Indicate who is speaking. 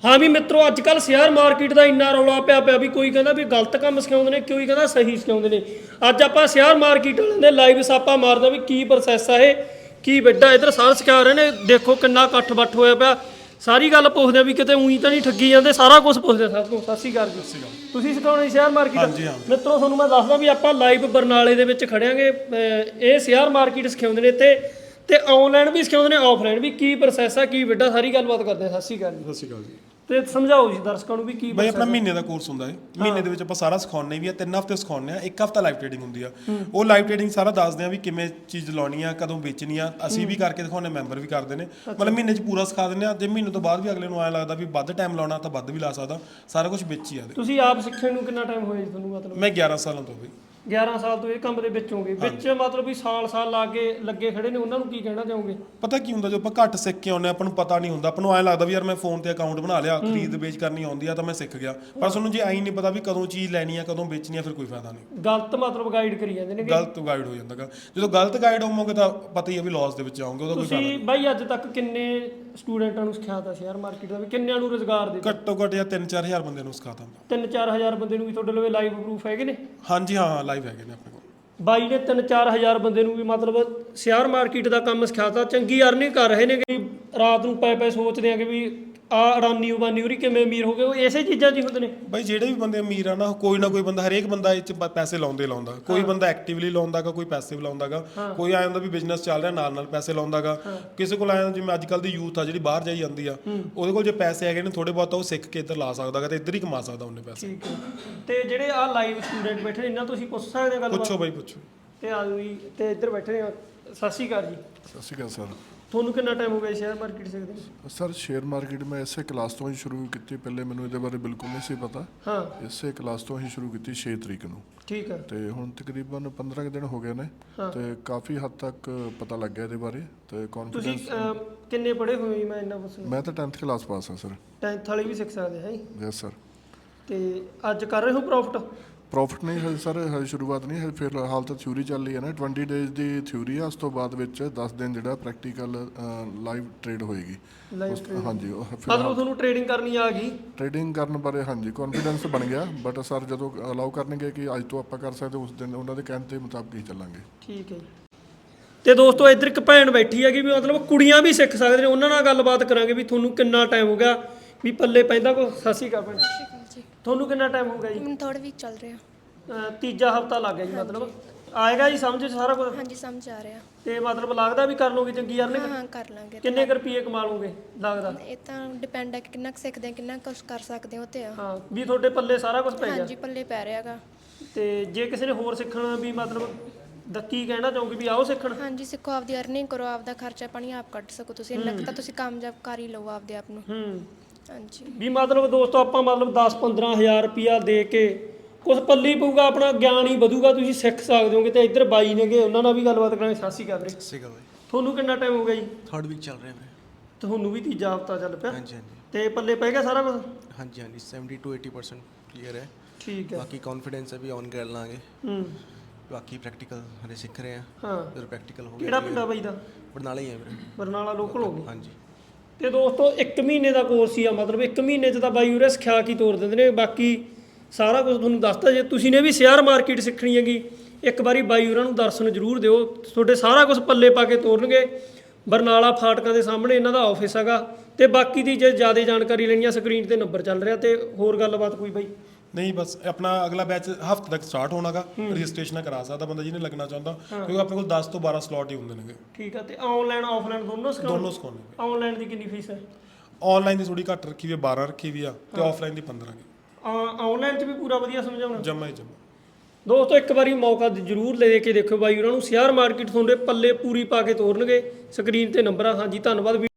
Speaker 1: हाँ भी मित्रों अजकल शेयर मार्केट का इन्ना रौला पिया भी कोई कहता भी गलत काम सिखाते हैं कोई कहता सही सिखाते हैं। अज आप शेयर मार्केट वाले लाइव सापा मारदा भी की प्रोसैस है ये की बेटा इधर सार सिखा रहे हैं। देखो किन्ना कट्ठ बट्ठ होया पिया सारी गल पुछदे भी किते ऊई तो नहीं ठगी जाते सारा कुछ पुछदे सब तो। सत श्री अकाल जी तुसीं सिखाउणे शेयर मार्केट मित्रों तुहानूं मैं दसदा भी आपां लाइव बरनाले दे विच खड़िआंगे। ये शेयर मार्केट सिखाउंदे ने इत्थे ते ऑनलाइन भी सिखाउंदे ने ऑफलाइन भी की प्रोसैस है की बेटा सारी गलबात करदे। सत श्री अकाल जी।
Speaker 2: ਸਤਿ ਸ਼੍ਰੀ ਅਕਾਲ ਜੀ
Speaker 1: ਤੇ ਸਮਝਾਓ ਜੀ ਦਰਸ਼ਕਾਂ ਨੂੰ ਵੀ ਕੀ
Speaker 2: ਬਈ ਆਪਣਾ ਮਹੀਨੇ ਦਾ ਕੋਰਸ ਹੁੰਦਾ ਹੈ। ਮਹੀਨੇ ਦੇ ਵਿੱਚ ਆਪਾਂ ਸਾਰਾ ਸਿਖਾਉਂਦੇ ਵੀ ਆ 3 ਹਫ਼ਤੇ ਸਿਖਾਉਂਦੇ ਆ 1 ਹਫ਼ਤਾ ਲਾਈਵ ਟ੍ਰੇਡਿੰਗ ਹੁੰਦੀ ਆ। ਉਹ ਲਾਈਵ ਟ੍ਰੇਡਿੰਗ ਸਾਰਾ ਦੱਸਦੇ ਆ ਵੀ ਕਿਵੇਂ ਚੀਜ਼ ਲਾਉਣੀ ਆ ਕਦੋਂ ਵੇਚਣੀ ਆ ਅਸੀਂ ਵੀ ਕਰਕੇ ਦਿਖਾਉਂਦੇ ਮੈਂਬਰ ਵੀ ਕਰਦੇ ਨੇ ਮਤਲਬ ਮਹੀਨੇ 'ਚ ਪੂਰਾ ਸਿਖਾ ਦਿੰਦੇ ਆ। ਜੇ ਮਹੀਨੇ ਤੋਂ ਬਾਅਦ ਵੀ ਅਗਲੇ ਨੂੰ ਐਂ ਲੱਗਦਾ ਵੀ ਵੱਧ ਟਾਈਮ ਲਾਉਣਾ ਤਾਂ ਵੱਧ ਵੀ ਲਾ ਸਕਦਾ ਸਾਰਾ ਕੁਝ ਵਿੱਚ ਹੀ ਆ।
Speaker 1: ਤੁਸੀਂ ਆਪ ਸਿੱਖਣ ਨੂੰ ਕਿੰਨਾ ਟਾਈਮ ਹੋਇਆ ਜੀ ਤੁਹਾਨੂੰ ਮਤਲਬ?
Speaker 2: ਮੈਂ 11 ਸਾਲਾਂ ਤੋਂ ਬਈ
Speaker 1: 11 ਸਾਲ ਤੋਂ ਇਹ ਕੰਮ ਦੇ ਵਿੱਚ ਹੋਗੇ ਵਿੱਚ ਮਤਲਬ ਵੀ ਸਾਲ ਲੱਗੇ ਖੜੇ ਨੇ ਉਹਨਾਂ ਨੂੰ ਕੀ ਕਹਿਣਾ ਚਾਹੋਗੇ?
Speaker 2: ਪਤਾ ਕੀ ਹੁੰਦਾ ਜੋ ਆਪਾਂ ਘੱਟ ਸਿੱਖ ਕੇ ਆਉਂਦੇ ਆਪਾਂ ਨੂੰ ਪਤਾ ਨਹੀਂ ਹੁੰਦਾ ਆਪਾਂ ਨੂੰ ਐਂ ਲੱਗਦਾ ਵੀ ਯਾਰ ਮੈਂ ਫੋਨ ਤੇ ਅਕਾਊਂਟ ਬਣਾ ਲਿਆ ਖਰੀਦ ਵੇਚ ਕਰਨੀ ਆਉਂਦੀ ਆ ਤਾਂ ਮੈਂ ਸਿੱਖ ਗਿਆ ਪਰ ਤੁਹਾਨੂੰ ਜੇ ਐਂ ਨਹੀਂ ਪਤਾ ਵੀ ਕਦੋਂ ਚੀਜ਼ ਲੈਣੀ ਆ ਕਦੋਂ ਵੇਚਣੀ ਆ ਫਿਰ ਕੋਈ ਫਾਇਦਾ ਨਹੀਂ।
Speaker 1: ਗਲਤ ਮਤਲਬ ਗਾਈਡ ਕਰੀ ਜਾਂਦੇ ਨੇ
Speaker 2: ਗਲਤ ਗਾਈਡ ਹੋ ਜਾਂਦਾ ਜਦੋਂ ਗਲਤ ਗਾਈਡ ਹੋਵੋਗੇ ਤਾਂ ਪਤਾ ਹੀ ਆ ਵੀ ਲਾਸ ਦੇ ਵਿੱਚ ਆਉਂਗੇ ਉਹਦਾ ਕੋਈ ਫਾਇਦਾ ਨਹੀਂ।
Speaker 1: ਤੁਸੀਂ ਬਾਈ ਅੱਜ ਤੱਕ ਕਿੰਨੇ ਸਟੂਡੈਂਟਾਂ ਨੂੰ ਸਿਖਾਤਾ ਸ਼ੇਅਰ ਮਾਰਕੀਟ ਦਾ ਵੀ ਕਿੰਨਿਆਂ ਨੂੰ ਰੁਜ਼ਗਾਰ ਦਿੱਤਾ?
Speaker 2: ਘੱਟੋ ਘੱਟ ਜਾਂ 3-4 ਹਜ਼ਾਰ ਬੰਦੇ ਨੂੰ ਸਿਖਾਤਾ
Speaker 1: 3-4 ਹਜ਼ਾਰ ਬੰਦੇ ਨੂੰ ਵੀ ਤੁਹਾਡੇ ਲਵੇ ਲਾਈਵ ਪ੍ਰੂਫ ਹੈਗੇ ਨੇ?
Speaker 2: ਹਾਂਜੀ ਹਾਂ ਲਾਈਵ ਹੈਗੇ ਨੇ ਆਪਣੇ ਕੋਲ।
Speaker 1: ਬਾਈ ਨੇ 3-4 ਹਜ਼ਾਰ ਬੰਦੇ ਨੂੰ ਵੀ ਮਤਲਬ ਸ਼ੇਅਰ ਮਾਰਕੀਟ ਦਾ ਕੰਮ ਸਿਖਾਤਾ ਚੰਗੀ ਅਰਨਿੰਗ ਕਰ ਰਹੇ ਨੇ ਕਿ ਰਾਤ ਨੂੰ ਪੈ ਸੋਚਦੇ ਆ ਕਿ ਵੀ ਆ ਅਡਾਨੀ ਉਬਾਨੀ ਉਰੀ ਕਿਵੇਂ ਅਮੀਰ ਹੋ ਗਏ ਉਹ ਇਸੇ ਚੀਜ਼ਾਂ 'ਚ ਹੀ ਹੁੰਦੇ ਨੇ।
Speaker 2: ਬਾਈ ਜਿਹੜੇ ਵੀ ਬੰਦੇ ਅਮੀਰ ਆ ਨਾ ਕੋਈ ਨਾ ਕੋਈ ਬੰਦਾ ਹਰੇਕ ਬੰਦਾ ਇਹ 'ਚ ਪੈਸੇ ਲਾਉਂਦਾ ਕੋਈ ਬੰਦਾ ਐਕਟਿਵਲੀ ਲਾਉਂਦਾਗਾ ਕੋਈ ਪੈਸਿਵ ਲਾਉਂਦਾਗਾ ਕੋਈ ਆਇਆ ਹੁੰਦਾ ਵੀ ਬਿਜ਼ਨਸ ਚੱਲ ਰਿਹਾ ਨਾਲ ਪੈਸੇ ਲਾਉਂਦਾਗਾ ਕਿਸੇ ਕੋਲ ਆਇਆ ਜਿਵੇਂ ਅੱਜ ਕੱਲ੍ਹ ਦੀ ਯੂਥ ਆ ਜਿਹੜੀ ਬਾਹਰ ਜਾਈ ਜਾਂਦੀ ਆ ਉਹਦੇ ਕੋਲ ਜੇ ਪੈਸੇ ਹੈਗੇ ਨੇ ਥੋੜੇ ਬਹੁਤ ਉਹ ਸਿੱਖ ਕੇ ਇੱਧਰ ਲਾ ਸਕਦਾਗਾ ਤੇ ਇੱਧਰ ਹੀ ਕਮਾ ਸਕਦਾ ਉਹਨੇ ਪੈਸੇ।
Speaker 1: ਠੀਕ ਹੈ ਤੇ ਜਿਹੜੇ ਆ ਲਾਈਵ ਸਟੂਡੈਂਟ ਬੈਠੇ ਨੇ ਇਹਨਾਂ ਤੁਸੀਂ ਪੁੱਛ ਸਕਦੇ ਗੱਲ
Speaker 2: ਪੁੱਛੋ ਬਾਈ ਪੁੱਛੋ
Speaker 1: ਤੇ ਆ ਜੀ ਤੇ ਇੱਧਰ ਬੈਠੇ ਨੇ। ਸਤਿ ਸ਼੍ਰੀ ਅਕਾਲ ਜੀ।
Speaker 3: ਸਤਿ ਸ਼੍ਰੀ ਅਕਾਲ ਸਰ।
Speaker 1: ਤੁਹਾਨੂੰ ਕਿੰਨਾ ਟਾਈਮ ਹੋ ਗਿਆ ਸ਼ੇਅਰ ਮਾਰਕੀਟ ਸਿੱਖਦੇ ਨੂੰ?
Speaker 3: ਸਰ ਸ਼ੇਅਰ ਮਾਰਕੀਟ ਮੈਂ ਇਸੇ ਕਲਾਸ ਤੋਂ ਹੀ ਸ਼ੁਰੂ ਕੀਤੀ ਪਹਿਲੇ ਮੈਨੂੰ ਇਹਦੇ ਬਾਰੇ ਬਿਲਕੁਲ ਨਹੀਂ ਸੀ ਪਤਾ।
Speaker 1: ਹਾਂ
Speaker 3: ਇਸੇ ਕਲਾਸ ਤੋਂ ਹੀ ਸ਼ੁਰੂ ਕੀਤੀ 6 ਤਰੀਕ ਨੂੰ।
Speaker 1: ਠੀਕ ਹੈ
Speaker 3: ਤੇ ਹੁਣ ਤਕਰੀਬਨ 15 ਦਿਨ ਹੋ ਗਏ ਨੇ ਤੇ ਕਾਫੀ ਹੱਦ ਤੱਕ ਪਤਾ ਲੱਗ ਗਿਆ ਇਹਦੇ ਬਾਰੇ ਤੇ
Speaker 1: ਤੁਸੀਂ
Speaker 3: ਕੌਨਫੀਡੈਂਸ।
Speaker 1: ਕਿੰਨੇ ਪੜ੍ਹੇ ਹੋਏ ਜੀ? ਮੈਂ ਇੰਨਾ ਪੁੱਛਣਾ।
Speaker 3: ਮੈਂ ਤਾਂ 10th ਕਲਾਸ ਪਾਸ ਹਾਂ ਸਰ।
Speaker 1: 10th ਵਾਲੀ ਵੀ ਸਿੱਖ ਸਕਦੇ ਹੈ ਜੀ?
Speaker 3: Yes sir.
Speaker 1: ਤੇ ਅੱਜ ਕਰ ਰਹੇ ਹੋ ਪ੍ਰੋਫਿਟ?
Speaker 3: ਪ੍ਰੋਫਿਟ ਨਹੀਂ ਹੈ ਸਰ ਹਜੇ ਸ਼ੁਰੂਆਤ ਨਹੀਂ ਹੈ ਫਿਰ ਹਾਲ ਤਾਂ ਥਿਊਰੀ ਚੱਲ ਰਹੀ ਹੈ ਨਾ 20 ਡੇਜ਼ ਦੀ ਥਿਊਰੀ ਆ ਉਸ ਤੋਂ ਬਾਅਦ ਵਿੱਚ 10 ਦਿਨ ਜਿਹੜਾ ਪ੍ਰੈਕਟੀਕਲ ਲਾਈਵ ਟ੍ਰੇਡ ਹੋਏਗੀ। ਹਾਂਜੀ
Speaker 1: ਮਤਲਬ ਤੁਹਾਨੂੰ ਟ੍ਰੇਡਿੰਗ ਕਰਨੀ ਆ ਗਈ?
Speaker 3: ਟ੍ਰੇਡਿੰਗ ਕਰਨ ਬਾਰੇ ਹਾਂਜੀ ਕੌਨਫੀਡੈਂਸ ਬਣ ਗਿਆ ਬਟ ਸਰ ਜਦੋਂ ਅਲਾਉ ਕਰਨਗੇ ਕਿ ਅੱਜ ਤੋਂ ਆਪਾਂ ਕਰ ਸਕਦੇ ਉਸ ਦਿਨ ਉਹਨਾਂ ਦੇ ਕਹਿਣ ਦੇ ਮੁਤਾਬਕ ਹੀ ਚੱਲਾਂਗੇ।
Speaker 1: ਠੀਕ ਹੈ ਜੀ। ਤੇ ਦੋਸਤੋ ਇੱਧਰ ਇੱਕ ਭੈਣ ਬੈਠੀ ਹੈਗੀ ਵੀ ਮਤਲਬ ਕੁੜੀਆਂ ਵੀ ਸਿੱਖ ਸਕਦੇ ਨੇ ਉਹਨਾਂ ਨਾਲ ਗੱਲਬਾਤ ਕਰਾਂਗੇ ਵੀ ਤੁਹਾਨੂੰ ਕਿੰਨਾ ਟਾਈਮ ਹੋ ਗਿਆ ਵੀ ਪੱਲੇ ਪੈਂਦਾ ਕੋ। ਸਤਿ ਸ਼੍ਰੀ ਅਕਾਲ ਭੈਣ। ਤੁਹਾਨੂੰ ਕਿੰਨਾ ਟਾਈਮ ਹੋ ਗਿਆ ਜੀ?
Speaker 4: ਮੈਨੂੰ ਥੋੜਾ ਵੀਕ ਚੱਲ ਰਿਹਾ।
Speaker 1: ਤੀਜਾ ਹਫਤਾ ਲੱਗ ਗਿਆ ਜੀ ਮਤਲਬ ਆਏਗਾ ਜੀ ਸਮਝ ਸਾਰਾ ਕੁਝ?
Speaker 4: ਹਾਂਜੀ ਸਮਝ ਆ ਰਿਹਾ।
Speaker 1: ਤੇ ਮਤਲਬ ਲੱਗਦਾ ਵੀ ਕਰ ਲੋਗੇ ਚੰਗੀ ਅਰਨਿੰਗ?
Speaker 4: ਹਾਂ ਕਰ ਲਾਂਗੇ।
Speaker 1: ਕਿੰਨੇ ਕੁ ਰੁਪਏ ਕਮਾ ਲਓਗੇ ਲੱਗਦਾ?
Speaker 4: ਇਹ ਤਾਂ ਡਿਪੈਂਡ ਹੈ ਕਿ ਕਿੰਨਾ ਕੁ ਸਿੱਖਦੇ ਹਾਂ ਕਿੰਨਾ ਕੁਛ ਕਰ ਸਕਦੇ ਹੋ ਤੇ ਆ।
Speaker 1: ਹਾਂ ਵੀ ਤੁਹਾਡੇ ਪੱਲੇ ਸਾਰਾ ਕੁਝ ਪੈ ਗਿਆ?
Speaker 4: ਹਾਂਜੀ ਪੱਲੇ ਪੈ ਰਿਹਾਗਾ।
Speaker 1: ਤੇ ਜੇ ਕਿਸੇ ਨੇ ਹੋਰ ਸਿੱਖਣਾ ਵੀ ਮਤਲਬ ਕੀ ਕਹਿਣਾ ਚਾਹੋਗੇ ਵੀ ਆਓ ਸਿੱਖਣ?
Speaker 4: ਹਾਂਜੀ ਸਿੱਖੋ ਆਪਦੀ ਅਰਨਿੰਗ ਕਰੋ ਆਪਦਾ ਖਰਚਾ ਪਾਣੀ ਆਪ ਕੱਢ ਸਕੋ ਤੁਸੀਂ ਇੰਨਾ ਕੁ ਤਾਂ ਤੁਸੀਂ ਕਾਮਯਾਬ ਕਰ ਹੀ ਲਓ ਆਪਦੇ ਆਪ ਨੂੰ। ਹਾਂਜੀ
Speaker 1: ਵੀ ਮਤਲਬ ਦੋਸਤੋ ਆਪਾਂ ਮਤਲਬ 10-15 ਹਜ਼ਾਰ ਰੁਪਿਆ ਦੇ ਕੇ ਕੁਛ ਪੱਲੀ ਪਊਗਾ ਆਪਣਾ ਗਿਆਨ ਹੀ ਵਧੂਗਾ ਤੁਸੀਂ ਸਿੱਖ ਸਕਦੇ ਹੋਗੇ। ਤੇ ਇੱਧਰ ਬਾਈ ਨੇਗੇ ਉਹਨਾਂ ਨਾਲ ਵੀ ਗੱਲਬਾਤ ਕਰਾਂਗੇ। ਸਤਿ ਸ਼੍ਰੀ ਅਕਾਲ ਵੀਰੇ।
Speaker 5: ਸਤਿ ਸ਼੍ਰੀ ਅਕਾਲ ਬਾਈ।
Speaker 1: ਤੁਹਾਨੂੰ ਕਿੰਨਾ ਟਾਈਮ ਹੋ ਗਿਆ ਜੀ?
Speaker 5: 3rd ਵੀਕ ਚੱਲ ਰਿਹਾ ਵੀਰੇ।
Speaker 1: ਤੁਹਾਨੂੰ ਵੀ ਤੀਜਾ ਹਫਤਾ ਚੱਲ ਪਿਆ?
Speaker 5: ਹਾਂਜੀ ਹਾਂਜੀ
Speaker 1: ਤੇ ਪੱਲੇ ਪੈ ਗਿਆ ਸਾਰਾ ਕੁਝ?
Speaker 5: ਹਾਂਜੀ ਹਾਂਜੀ 70 to 80% ਕਲੀਅਰ ਹੈ।
Speaker 1: ਠੀਕ ਹੈ।
Speaker 5: ਬਾਕੀ ਕੌਨਫੀਡੈਂਸ ਹੈ ਵੀ ਔਨ ਕਰ ਲਾਂਗੇ। ਬਾਕੀ ਪ੍ਰੈਕਟੀਕਲ ਹਲੇ ਸਿੱਖ ਰਹੇ ਆ।
Speaker 1: ਹਾਂ
Speaker 5: ਜਦੋਂ ਪ੍ਰੈਕਟੀਕਲ ਹੋ ਗਿਆ।
Speaker 1: ਕਿਹੜਾ ਪਿੰਡ ਆ ਬਾਈ ਦਾ?
Speaker 5: ਬਰਨਾਲਾ ਹੀ ਹੈ ਵੀਰੇ।
Speaker 1: ਬਰਨਾਲਾ ਲੋਕਲ ਹੋ ਗਏ?
Speaker 5: ਹਾਂਜੀ।
Speaker 1: ਤੇ ਦੋਸਤੋ 1 ਮਹੀਨੇ ਦਾ ਕੋਰਸ ਹੀ ਆ ਮਤਲਬ 1 ਮਹੀਨੇ 'ਚ ਤਾਂ ਬਾਈ ਉਰੇ ਸਿਖਾ ਕੇ ਤੋਰ ਦਿੰਦੇ ਨੇ। ਬਾਕੀ ਸਾਰਾ ਕੁਝ ਤੁਹਾਨੂੰ ਦੱਸਤਾ। ਜੇ ਤੁਸੀਂ ਨੇ ਵੀ ਸ਼ੇਅਰ ਮਾਰਕੀਟ ਸਿੱਖਣੀ ਹੈਗੀ ਇੱਕ ਵਾਰੀ ਬਾਈ ਉਹਨਾਂ ਨੂੰ ਦਰਸ਼ਨ ਜ਼ਰੂਰ ਦਿਓ ਤੁਹਾਡੇ ਸਾਰਾ ਕੁਝ ਪੱਲੇ ਪਾ ਕੇ ਤੋਰਨਗੇ। ਬਰਨਾਲਾ ਫਾਟਕਾਂ ਦੇ ਸਾਹਮਣੇ ਇਹਨਾਂ ਦਾ ਆਫਿਸ ਹੈਗਾ। ਤੇ ਬਾਕੀ ਦੀ ਜੇ ਜ਼ਿਆਦਾ ਜਾਣਕਾਰੀ ਲੈਣੀ ਆ ਸਕਰੀਨ ਤੇ ਨੰਬਰ ਚੱਲ ਰਿਹਾ। ਤੇ ਹੋਰ ਗੱਲਬਾਤ ਕੋਈ ਬਾਈ?
Speaker 2: ਨਹੀਂ ਬਸ ਆਪਣਾ ਅਗਲਾ ਬੈਚ ਹਫ਼ਤੇ ਤੱਕ ਸਟਾਰਟ ਹੋਣਾਗਾ ਰਜਿਸਟ੍ਰੇਸ਼ਨ ਕਰਾ ਸਕਦਾ ਬੰਦਾ ਜਿਹਨੇ ਲੱਗਣਾ ਚਾਹੁੰਦਾ ਕਿਉਂਕਿ ਆਪਣੇ ਕੋਲ 10 ਤੋਂ 12 ਸਲੋਟ ਹੀ ਹੁੰਦੇ ਨੇਗੇ।
Speaker 1: ਠੀਕ ਆ। ਤੇ ਆਨਲਾਈਨ ਆਫਲਾਈਨ ਦੋਨੋਂ
Speaker 2: ਦੋਨੋਂ ਸਿਖਾਉਂਦੇ।
Speaker 1: ਆਨਲਾਈਨ ਦੀ ਕਿੰਨੀ ਫੀਸ ਹੈ?
Speaker 2: ਆਨਲਾਈਨ ਦੀ ਥੋੜੀ ਘੱਟ ਰੱਖੀ ਵੀ 12 ਰੱਖੀ ਵੀ ਆ ਤੇ ਆਫਲਾਈਨ ਦੀ 15 ਗੀ।
Speaker 1: ਆਨਲਾਈਨ 'ਚ ਵੀ ਪੂਰਾ ਵਧੀਆ ਸਮਝਾਉਣਾ?
Speaker 2: ਜਮਾ ਹੀ ਜਮਾ।
Speaker 1: ਦੋਸਤੋ ਇੱਕ ਵਾਰੀ ਮੌਕਾ ਜ਼ਰੂਰ ਲੈ ਕੇ ਦੇਖੋ ਬਾਈ ਉਹਨਾਂ ਨੂੰ ਸ਼ੇਅਰ ਮਾਰਕੀਟ ਤੁਹਾਡੇ ਪੱਲੇ ਪੂਰੀ ਪਾ ਕੇ ਤੋਰਨਗੇ। ਸਕਰੀਨ ਤੇ ਨੰਬਰ ਆ। ਹਾਂਜੀ ਧੰਨਵਾਦ।